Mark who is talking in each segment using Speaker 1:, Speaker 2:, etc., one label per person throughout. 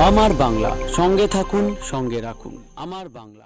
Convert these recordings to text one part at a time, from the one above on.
Speaker 1: আমার বাংলা, সঙ্গে থাকুন, সঙ্গে রাখুন। আমার বাংলা।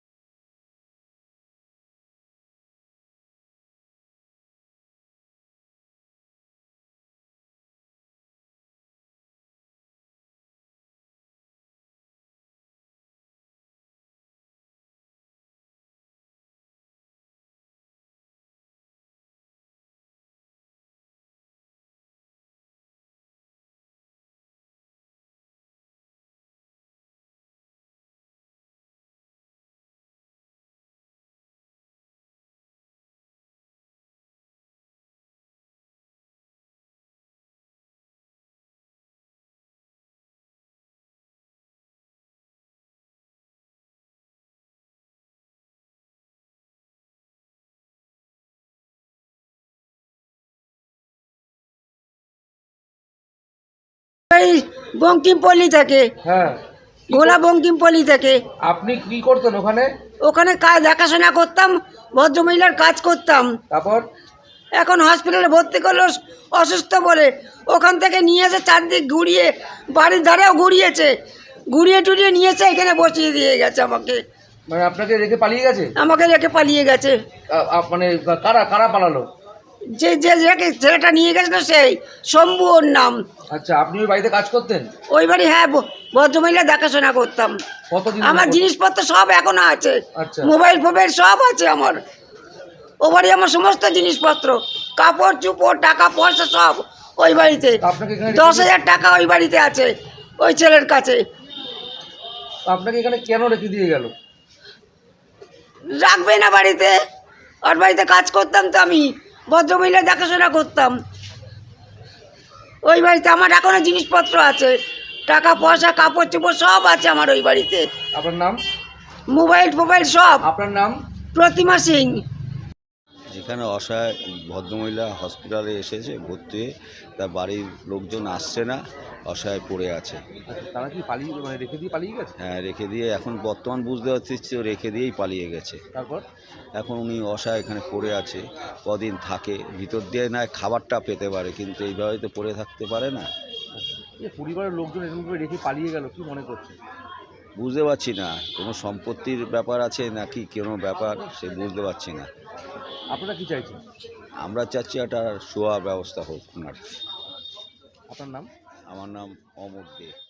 Speaker 2: এই বঙ্কিমপল্লী থেকে।
Speaker 3: হ্যাঁ,
Speaker 2: ভোলা বঙ্কিমপল্লী থেকে।
Speaker 3: আপনি কি করতেন ওখানে?
Speaker 2: ওখানে কাজ দেখাশোনা করতাম, ভদ্রমহিলার কাজ করতাম।
Speaker 3: তারপর
Speaker 2: এখন হসপিটালে ভর্তি করলো অসুস্থ বলে। ওখান থেকে নিয়ে এসে চারদিক ঘুরিয়ে, বাড়ির ধারেও ঘুরিয়েছে, ঘুরিয়ে টুরিয়ে নিয়েছে, এখানে বসিয়ে দিয়ে গেছে আমাকে।
Speaker 3: মানে আপনাকে রেখে পালিয়ে গেছে?
Speaker 2: আমাকে রেখে পালিয়ে গেছে।
Speaker 3: মানে কারা কারা পালালো?
Speaker 2: যে যে রেখে ছেলেটা নিয়ে গেছিল সেই শম্ভু ওর নাম।
Speaker 3: আচ্ছা, আপনি ওই বাড়িতে কাজ করতেন?
Speaker 2: ওই বাড়ি, হ্যাঁ, ভদ্রমহিলা দেখাশোনা করতাম।
Speaker 3: কতদিন?
Speaker 2: আমার জিনিসপত্র সব এখনো আছে,
Speaker 3: আচ্ছা।
Speaker 2: মোবাইল ফোবাইল সব আছে আমার। ও বাড়ি আমার সমস্ত জিনিসপত্র, কাপড় চুপড়, টাকা পয়সা সব ওই বাড়িতে।
Speaker 3: আপনাকে এখানে
Speaker 2: 10,000 টাকা ওই বাড়িতে আছে, ওই ছেলের কাছে।
Speaker 3: আপনাকে এখানে কেন রেখে দিয়ে গেল?
Speaker 2: রাখবে না বাড়িতে, ওর বাড়িতে কাজ করতাম তো আমি, ভদ্রমহিলা দেখাশোনা করতাম। ওই বাড়িতে আমার এখনো জিনিসপত্র আছে, টাকা পয়সা কাপড় চোপড় সব আছে আমার ওই বাড়িতে।
Speaker 3: আপনার নাম?
Speaker 2: মোবাইল ফোবাইল সব।
Speaker 3: আপনার নাম?
Speaker 2: প্রতিমা সিং।
Speaker 4: যেখানে অসহায় ভদ্রমহিলা হসপিটালে এসেছে ভর্তি হয়ে, তার বাড়ির লোকজন আসছে না, অসহায় পড়ে আছে।
Speaker 3: আচ্ছা, তারা কি পালিয়ে, মানে রেখে দিয়ে পালিয়ে গেছে?
Speaker 4: হ্যাঁ, রেখে দিয়ে এখন বর্তমান বুঝতে পারছি রেখে দিয়েই পালিয়ে গেছে।
Speaker 3: তারপর
Speaker 4: এখন উনি অসহায় এখানে পড়ে আছে, কদিন থাকে, ভিতর দিয়ে না খাবারটা পেতে পারে, কিন্তু এইভাবে তো পড়ে থাকতে পারে না।
Speaker 3: এই পরিবারের লোকজন এরকম করে রেখে পালিয়ে গেল, কি মনে করছে?
Speaker 4: বুঝতে পারছি না কোনো সম্পত্তির ব্যাপার আছে নাকি কোনো ব্যাপার, সে বুঝতে পারছি না।
Speaker 3: আপনারা কি চাইছেন?
Speaker 4: আমরা চাচ্ছি একটা শোয়ার ব্যবস্থা হোক ওনার।
Speaker 3: আপনার নাম?
Speaker 4: আমার নাম অমর দে।